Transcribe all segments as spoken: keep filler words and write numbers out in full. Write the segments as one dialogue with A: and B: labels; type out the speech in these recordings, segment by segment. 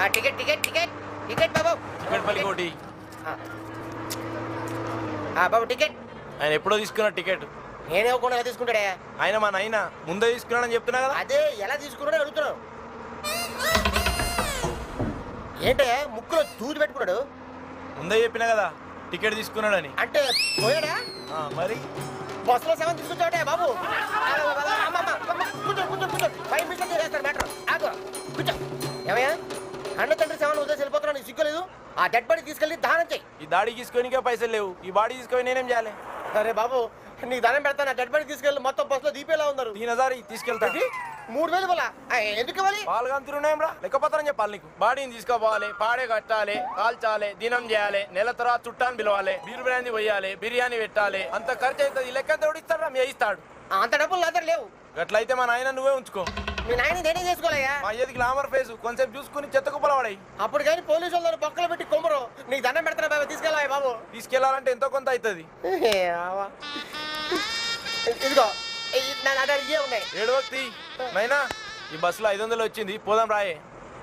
A: Ticket ticket ticket ticket బాబు.
B: Ticket పల్లి కోటి.
A: బాబు టికెట్.
B: ఆయన ఎప్పుడో తీసుకున్నాడు టికెట్.
A: నేనే ఒక తీసుకుంటాడే.
B: ఆయన మా నాయన ముందే తీసుకున్నాడని చెప్తున్నా కదా.
A: అదే ఎలా తీసుకున్నాడో అడుగుతున్నావు. ఏంటే ముక్కులో దూది పెట్టుకున్నాడు.
B: ముందే చెప్పినా కదా టికెట్ తీసుకున్నాడని.
A: అంటే పోయాడా?
B: మరి
A: బస్సులో సెవెన్ తీసుకొచ్చాడే బాబు. కూర్చో కూర్చో కూర్చో. ఫైవ్ మినిట్స్ చేస్తారు మ్యాటర్. ఆగు కూర్చో. ఏమయ్యా అన్న తండ్రి సెవెన్ వదిలేసి వెళ్ళిపోతున్నా. నీకు సిగ్గులేదు? ఆ డెడ్ బాడీ తీసుకెళ్ళి దానం చెయ్యి.
B: ఈ దాడి తీసుకొనికే పైసలు లేవు. ఈ బాడీ తీసుకొని నేనేం చేయాలి?
A: అరే బాబు నీకు దానం పెడతాను. ఆ డెడ్ బాడీ తీసుకెళ్ళి మొత్తం బస్సులో దీపేలా ఉన్నారు.
B: దీని హజార్ తీసుకెళ్తా.
A: మూడు వేలు పోలా ఎందుకు ఇవ్వాలి?
B: పాలుగంతులున్నాం రా లెక్కపత్రం చెప్పాలి నీకు. బాడీని తీసుకోపోవాలి, పాడే కట్టాలి, కాల్చాలి, దినం చేయాలి, నెల తర్వాత చుట్టాన్ని పిలవాలి, బీరు బిర్యానీ పోయాలి, బిర్యానీ పెట్టాలి. అంత ఖర్చు అవుతుంది. ఈ లెక్క తోడిస్తాడు రా మీ ఇస్తాడు.
A: అంత డబ్బులు నా దగ్గర లేవు.
B: గట్లయితే మా నాయన నువ్వే ఉంచుకో.
A: మీ నాయన నేనే చేసుకోవాలయ్యా.
B: మా అయ్యది గ్లామర్ ఫేస్ కొంచెం చూసుకుని చెత్త కుప్పల పడాయి.
A: అప్పుడు కానీ పోలీసు వాళ్ళు బొక్కలు పెట్టి కొమ్మరు. నీకు దండం పెడతారా బాబు? తీసుకెళ్ళాలి బాబు.
B: తీసుకెళ్లాలంటే ఎంతో కొంత అవుతుంది.
A: ఇదిగో నా దగ్గర ఇవే ఉన్నాయి.
B: ఏడు వక్తి నైనా ఈ బస్సులో ఐదు వందలు వచ్చింది, పోదాం రాయే.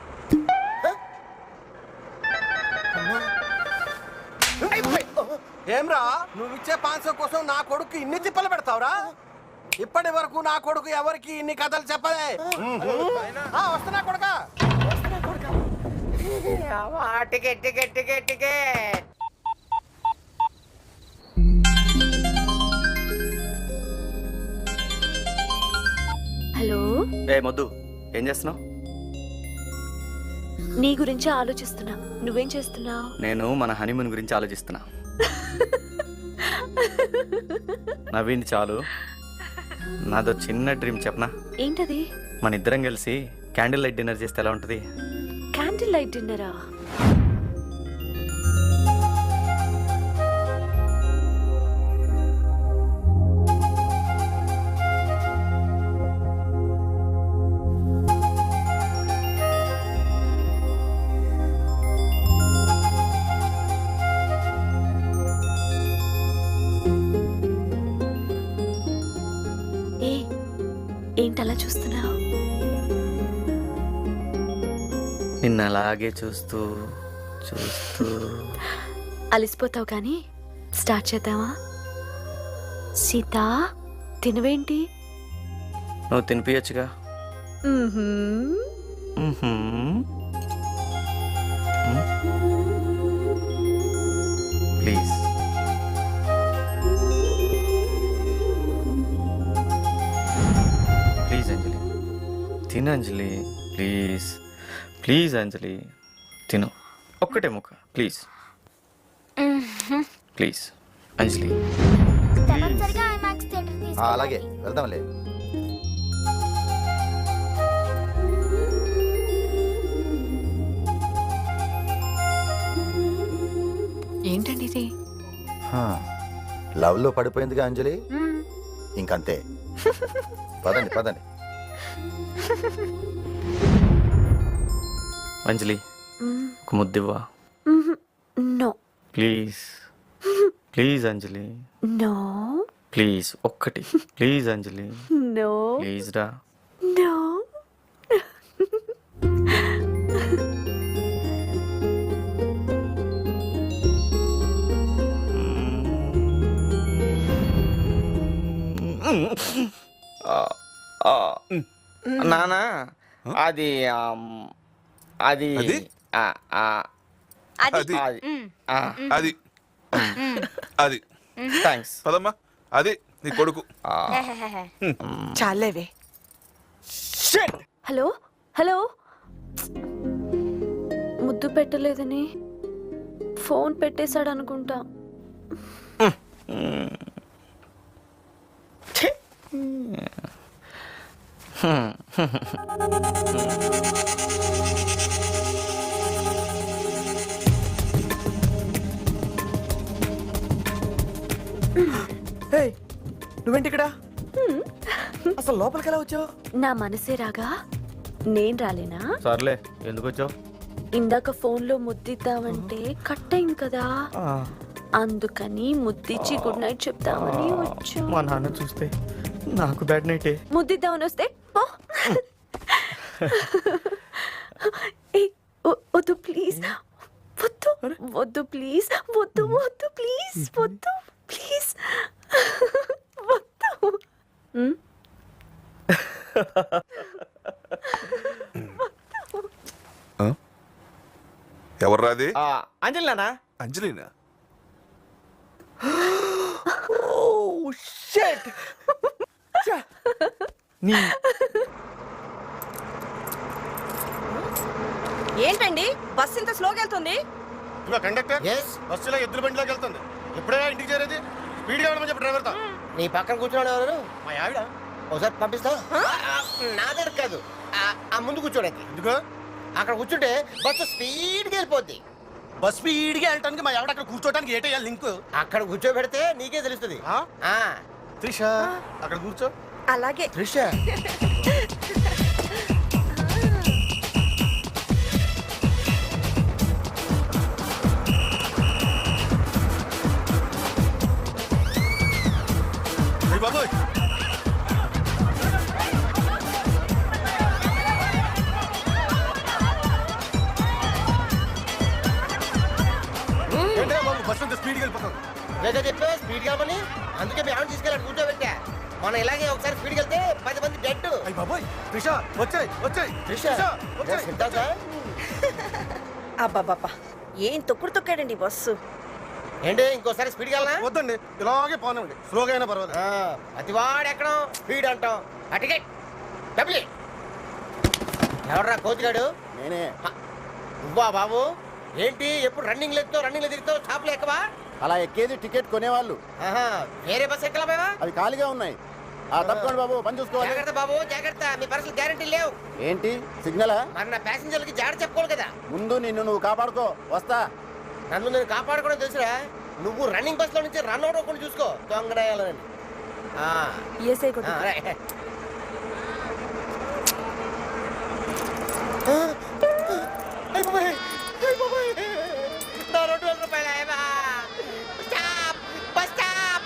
C: ఏమ్రా నువ్వు ఇచ్చే పాంచం కోసం నా కొడుకు ఇన్ని తిప్పలు పెడతావురా? ఇప్పటి వరకు నా కొడుకు ఎవరికి ఇన్ని కథలు చెప్పలే. వస్తున్నా కొడుకా.
A: Ticket ticket ticket ticket.
D: Hello
E: ఏ మొద్దు, ఏం చేస్తున్నావు?
D: నీ గురించి ఆలోచిస్తున్నా. నువ్వేం చేస్తున్నావు?
E: నేను మన హనీమూన్ గురించి ఆలోచిస్తున్నా. నవ్వింది చాలు. నాదో చిన్న డ్రీమ్ చెప్పనా?
D: ఏంటది?
E: మన ఇద్దరం కలిసి క్యాండిల్ లైట్ డిన్నర్ చేస్తే ఎలా ఉంటుంది?
D: క్యాండిల్ లైట్ డిన్నరా? ఏంటలా చూస్తున్నావు?
E: నిన్న అలాగే చూస్తూ చూస్తూ
D: అలిసిపోతావు కానీ స్టార్ట్ చేద్దామా? సీత తినవేంటి?
E: నువ్వు తినిపించచ్చుగా. ప్లీజ్ ప్లీజ్ అంజలి తిను. అంజలి ప్లీజ్ ప్లీజ్ అంజలి తిను. ఒక్కటే ముక్క ప్లీజ్ ప్లీజ్ అంజలి.
C: అలాగే వెళ్దాంలే.
D: ఏంటండి ఇది?
C: లవ్ లో పడిపోయిందిగా అంజలి, ఇంకంతే. పదండి పదండి.
E: అంజలి ఒక ముద్దివ్వా.
D: No
E: please please Anjali.
D: No
E: please ఒక్కటి ప్లీజ్ అంజలి.
D: నో
E: ప్లీజ్ రా.
D: నో
E: నానా అది అది
F: అది అది అది
E: థ్యాంక్స్.
F: పదమ్మా. అది నీ కొడుకు.
G: చాలేవే.
D: హలో హలో ముద్దు పెట్టలేదని ఫోన్ పెట్టేశాడు అనుకుంటా.
C: నువ్వేంటి ఇక్కడ? అసలు లోపలికి ఎలా వచ్చావు?
D: నా మనసే రాగా నేను రాలేనా?
E: సర్లే ఎందుకు వచ్చావు?
D: ఇందాక ఫోన్ లో ముద్దిద్దామంటే కట్ అయింది కదా, అందుకని ముద్దిచ్చి గుడ్ నైట్ చెప్తామని వచ్చా.
E: మా నాన్న చూస్తే నాకు బ్యాడ్ నైటే.
D: ముద్దిద్దామని వస్తే వ- వద్దు ప్లీజ్ వద్దు వద్దు ప్లీజ్ వద్దు వద్దు ప్లీజ్ వద్దు ప్లీజ్ వద్దు ఉమ్,
F: ఎవర్రాది
E: ఆ, అంజలి నాన్న
F: అంజలినా
E: షట్ నీ
G: ఏంటండి బస్ ఇంత స్లోగా వెళ్తుంది?
C: కండక్టర్
A: ఎస్
C: బస్సులో ఎద్దుల బండిలోకి వెళ్తుంది. ఎప్పుడైనా ఇంటికి చేరేది స్పీడ్గా వెళ్ళమని చెప్పి డ్రైవర్తో.
A: నీ పక్కన కూర్చోండి ఎవరు
C: మా ఆవిడ
A: ఒకసారి పంపిస్తా ఆ, నా దగ్గర కాదు ఆ, ఆ ముందు కూర్చోడానికి
C: ఎందుకు
A: అక్కడ కూర్చుంటే బస్సు స్పీడ్గా వెళ్ళిపోద్ది.
C: బస్ స్పీడ్గా వెళ్ళటానికి మా ఆవిడ అక్కడ కూర్చోటానికి ఏటయ్యా లింక్?
A: అక్కడ కూర్చోబెడితే నీకే తెలుస్తుంది.
C: ఆ?
A: ఆ,
C: త్రిష అక్కడ కూర్చో.
G: అలాగే.
A: త్రిష
C: అయ్య బాబోయ్, ఏంటయ్యా బాబు బస్సు అంత స్పీడ్గా వెళ్ళిపోతాం?
A: వేగా చెప్పే స్పీడ్ కావాలి, అందుకే మీ ఆవిడ తీసుకెళ్ళాడు కూర్చోబెట్టా. మనం ఇలాగే ఒకసారి స్పీడ్కి వెళ్తే పది మంది డెడ్.
C: అయ్య బాబోయ్, త్రిష వచ్చాయి వచ్చాయి
A: త్రిష
C: వచ్చాయి.
A: సిద్ధార్థ
G: అబ్బాబాబా ఏం తొక్కుడు తొక్కాడండి బస్సు.
A: ఏంటి ఇంకోసారి స్పీడ్కి వెళ్ళనా?
C: వద్దండి, ఇలాగే పోనండి, స్లోగా అయినా పర్వాలేదు.
A: ఆ, అతివాడు ఎక్కడం స్పీడ్ అంటాం. ఆ టికెట్ డబ్బులు ఎవర్రా కోతిగాడు?
C: నేనే.
A: నువ్వా బాబు? ఏంటి ఎప్పుడు రన్నింగ్ లెక్కుతావు రన్నింగ్ లో తిరుగుతావు షాపులు ఎక్కవా?
C: అలా ఎక్కేది టికెట్ కొనేవాళ్ళు,
A: ఆహా, వేరే బస్ ఎక్కలా?
C: అవి ఖాళీగా ఉన్నాయి. ఆ తప్పకుండా బాబు, పని చూసుకోవాలి.
A: జాగ్రత్త బాబు జాగ్రత్త, మీ పర్సనల్ గ్యారెంటీ లేవు.
C: ఏంటి సిగ్నలా?
A: మరి నా ప్యాసింజర్లకి జాగ్రత్త చెప్పుకోవాలి కదా.
C: ముందు నిన్ను నువ్వు కాపాడుకో, వస్తా.
A: నన్ను నేను కాపాడుకోవడం తెలుసురా. నువ్వు రన్నింగ్ బస్ లో నుంచి రన్ అవుట్ అవ్వకుండా చూసుకో దొంగడాయాలని.
G: ఏసై కొట్టు.
A: రెండు వేల రూపాయలు స్టాప్ బస్ స్టాప్.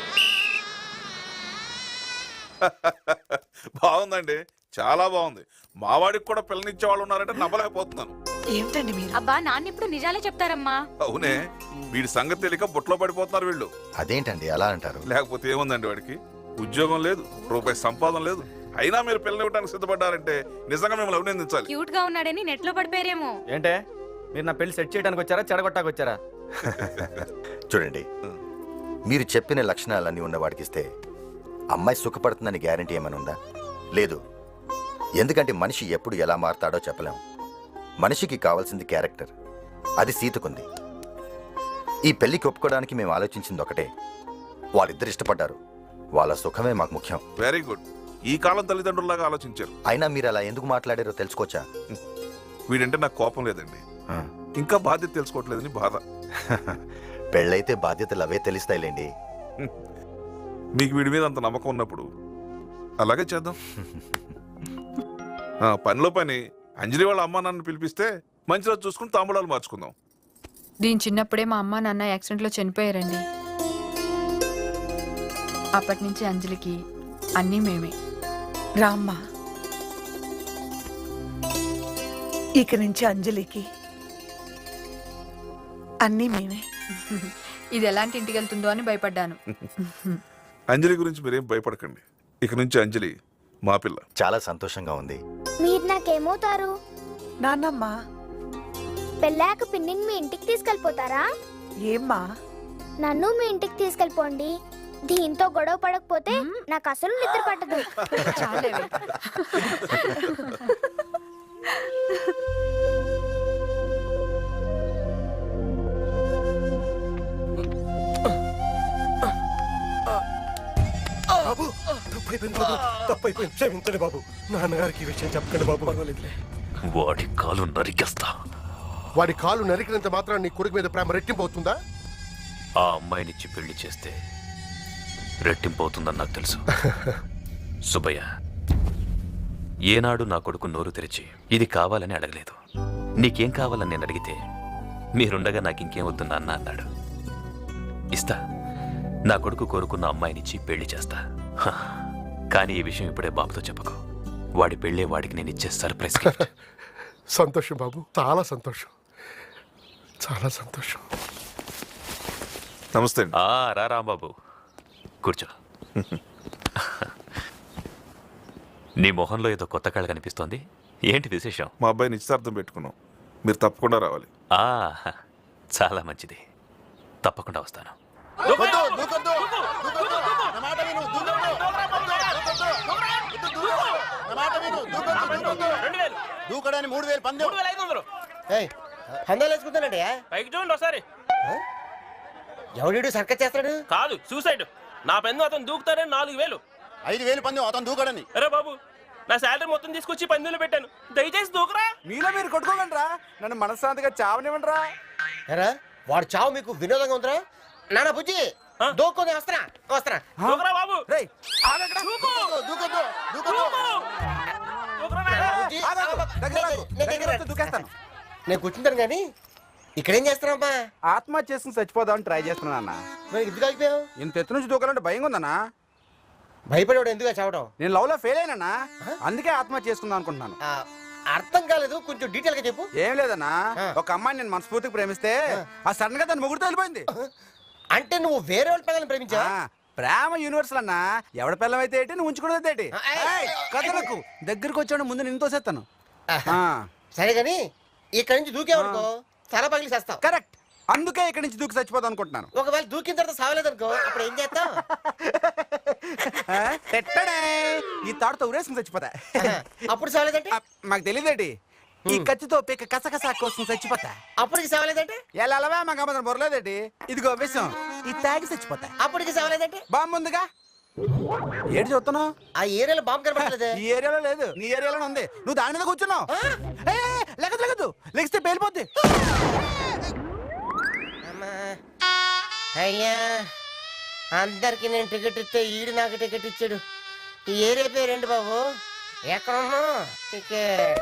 F: బాగుందండి, చాలా బాగుంది. మావాడికి కూడా పిల్లనిచ్చే వాళ్ళు ఉన్నారంటే నమ్మలేకపోతున్నాను.
G: ఏమిటండి మీరు?
H: అబ్బా నాన్న ఇప్పుడు నిజాలే చెప్తారమ్మా.
F: అవునే, వీడి సంగతి తెలియక బుట్లో పడిపోతున్నారు వీళ్ళు.
I: అదేంటండి అలా అంటారు?
F: లేకపోతే ఏముందండి, వాడికి ఉద్యోగం లేదు, రూపాయి సంపాదన లేదు, అయినా మీరు పిల్లనివ్వడానికి సిద్ధపడ్డారంటే నిజంగా మిమ్మల్ని అభినందించాలి.
H: క్యూట్ గా ఉన్నాడని నెట్ లో పడిపోయారేమో.
E: ఏంటే మీరు నా పెళ్లి సెట్ చేయడానికి వచ్చారా చెడగొట్టానికి వచ్చారా?
I: చూడండి, మీరు చెప్పిన లక్షణాలన్నీ ఉన్న వాడికిస్తే అమ్మాయి సుఖపడుతుందని గ్యారంటీ ఏమైనా ఉందా? లేదు. ఎందుకంటే మనిషి ఎప్పుడు ఎలా మారతాడో చెప్పలేం. మనిషికి కావాల్సింది క్యారెక్టర్, అది సీతకుంది. ఈ పెళ్లికి ఒప్పుకోవడానికి మేము ఆలోచించింది ఒకటే, వాళ్ళిద్దరు ఇష్టపడ్డారు, వాళ్ళ సుఖమే మాకు ముఖ్యం.
F: Very good. ఈ కాలం తల్లిదండ్రుల్లాగా ఆలోచించారు.
I: అయినా మీరు అలా ఎందుకు మాట్లాడారో తెలుసుకోవచ్చా?
F: వీడంటే నాకు కోపం లేదండి, ఇంకా బాధ్యత తెలుసుకోవట్లేదని బాధ.
I: పెళ్ళైతే బాధ్యతలు అవే తెలుస్తాయిలేండి.
F: మీకు వీడి మీద అంత నమ్మకం ఉన్నప్పుడు అలాగే చేద్దాం. ఆ, పనిలో పని అంజలి వాళ్ళ అమ్మా నాన్న పిలిపిస్తే మంచి రోజు చూసుకుని తాంబూలాలు మార్చుకుందాం.
J: దీని చిన్నప్పుడే మా అమ్మ నాన్న యాక్సిడెంట్లో చనిపోయారండి. అప్పటి నుంచి అంజలికి అన్నీ మేమే.
G: రామ్మా, ఇక నుంచి అంజలికి అన్నీ మేమే.
J: ఇది ఎలాంటి ఇంటికి వెళ్తుందో అని భయపడ్డాను.
F: అంజలి గురించి మీరేం భయపడకండి, ఇక నుంచి అంజలి మా పిల్ల.
I: చాలా సంతోషంగా ఉంది.
K: మీరు నాకేమవుతారు?
G: నాన్నమ్మ.
K: పెళ్ళాక పిన్నిని మీ ఇంటికి తీసుకెళ్ళిపోతారా?
G: ఏమ్మా?
K: నన్ను మీ ఇంటికి తీసుకెళ్ళిపోండి. దీంతో గొడవ పడకపోతే నాకు అసలు నిద్ర పట్టదు.
J: చాలేవే.
C: బాబు తప్పైపోయింది బాబు, తప్పైపోయింది, క్షమించండి బాబు. నాన్నగారికి ఈ విషయం చెప్పకండి బాబు. పర్వాలేదులే.
L: వాడి కాలు నరికేస్తా.
C: వాడి కాలు నరికినంత మాత్రం నీ కొడుకు మీద ప్రేమ రెట్టింపు అవుతుందా?
L: ఆ అమ్మాయినిచ్చి పెళ్లి చేస్తే రెట్టింపు అవుతుందని నాకు తెలుసు. సుబ్బయ్య, ఏనాడు నా కొడుకు నోరు తెరిచి ఇది కావాలని అడగలేదు. నీకేం కావాలని నేను అడిగితే మీరుండగా నాకు ఇంకేం వద్దు నాన్న అన్నాడు. ఇస్తా, నా కొడుకు కోరుకున్న అమ్మాయినిచ్చి పెళ్లి చేస్తా. హ, కానీ ఈ విషయం ఇప్పుడే బాబుతో చెప్పకు. వాడి పెళ్ళే వాడికి నేను ఇచ్చే సర్ప్రైజ్ గిఫ్ట్.
C: సంతోషం బాబు, చాలా సంతోషం, చాలా సంతోషం.
F: నమస్తే అండి.
L: ఆ, రా రాంబాబు కూర్చో. నీ మొహంలో ఏదో కొత్త కళ కనిపిస్తోంది, ఏంటి విశేషం?
F: మా అబ్బాయి నిశ్చితార్థం పెట్టుకున్నాం, మీరు తప్పకుండా రావాలి.
L: ఆ, చాలా మంచిది, తప్పకుండా వస్తాను.
C: దూకడానికి మూడు వేలు పందెం.
A: పందాలు వేసుకుంటానండి.
B: పైకి చూడండి ఒకసారి.
A: ఎవడు సర్కస్ చేస్తాడు?
B: కాదు, సూసైడ్. నా పెన్ను అతను దూకుతారని నాలుగు వేలు.
C: ఐదు వేలు పందెం అతను దూకడని.
B: అరే బాబు, నా శాలరీ మొత్తం తీసుకొచ్చి పందులు పెట్టాను, దయచేసి దూకరా.
C: మీలో మీరు కొట్టుకోకండిరా, నన్ను మనశ్శాంతిగా చావనివ్వండిరా.
A: ఎరా వాడు చావు మీకు వినోదంగా ఉందిరా? నానా బుజ్జి దూక్కొని వస్తున్నా వస్తున్నా.
B: దూకరా బాబు.
C: రేయ్, ఆగక్కడ. దూకొద్దు, దూకొద్దు, దూకొద్దు.
B: దూకరా నాయనా.
A: బుజ్జి,
C: ఆగకు, దగ్గర రాకు,
A: నేను
C: దగ్గర వస్తే దూకేస్తాను.
A: నేను కూర్చుంటాను కానీ ఇక్కడేం చేస్తున్నావమ్మా?
C: ఆత్మహత్య చేసుకుని చచ్చిపోదామని ట్రై చేస్తున్నా అన్న.
A: మరి ఎందుకు ఆగిపోయావు?
C: ఇంత ఎత్తు నుంచి దూకాలంటే భయంగా ఉందన్నా.
A: భయపడేవాడు ఎందుకు చావడం?
C: నేను లవ్ లో ఫెయిల్ అయినా, అందుకే ఆత్మహత్య చేసుకుందాం అనుకుంటున్నాను.
A: ఆ, అర్థం కాలేదు, కొంచెం డీటెయిల్ గా చెప్పు.
C: ఏం లేదన్నా, ఒక అమ్మాయిని నేను మనస్ఫూర్తిగా ప్రేమిస్తే ఆ సడన్ గా దాని ముగ్గురు వెళ్ళిపోయింది.
A: అంటే నువ్వు వేరే వాళ్ళ పిల్లల్ని ప్రేమించా?
C: ప్రేమ యూనివర్సల్ అన్నా, ఎవడ పిల్లం అయితే ఏంటి, నువ్వు ఉంచుకునేది ఏంటి? కథలకు దగ్గరికి వచ్చాడు, ముందు నేను తోసేస్తాను.
A: సరే గాని ఇక్కడి నుంచి దూకేవనుకో చాలా పగిలి చేస్తావు.
C: కరెక్ట్, అందుకే ఇక్కడి నుంచి దూకి చచ్చిపోదాం అనుకుంటున్నాను.
A: ఒకవేళ దూకిన తర్వాత సావలేదనుకో అప్పుడు ఏం చేస్తావు?
C: పెట్టడే ఈ తాడుతో ఉరేసుకుని చచ్చిపోతా.
A: అప్పుడు సావలేదంటే?
C: మాకు తెలియదేటి, ఈ కత్తితో పిక్క కసకస కోసం చచ్చిపోతా.
A: అప్పటికి సావలేదంటే?
C: ఎలా అలవా మాకు అమ్మదం బొరలేదేటి, ఇదిగో విషయం, ఈ తాగి చచ్చిపోతా.
A: అప్పటికి సావలేదంటే?
C: బాంబు ఉందిగా, ఏంటి చూస్తున్నావు?
A: ఆ ఏరియాలో బాంబు కనపడలేదే.
C: ఈ ఏరియాలో లేదు, నీ ఏరియాలో ఉంది, నువ్వు దాని మీద కూర్చున్నావు. లెగదు లెగదు లెగిస్తే పేలిపోద్ది.
A: అయ్యా, అందరికి నేను టికెట్ ఇస్తే ఈడు నాకు టికెట్ ఇచ్చాడు. ఈ ఏరియా పేరేంటి బాబు? ఎక్కడున్నా టికెట్?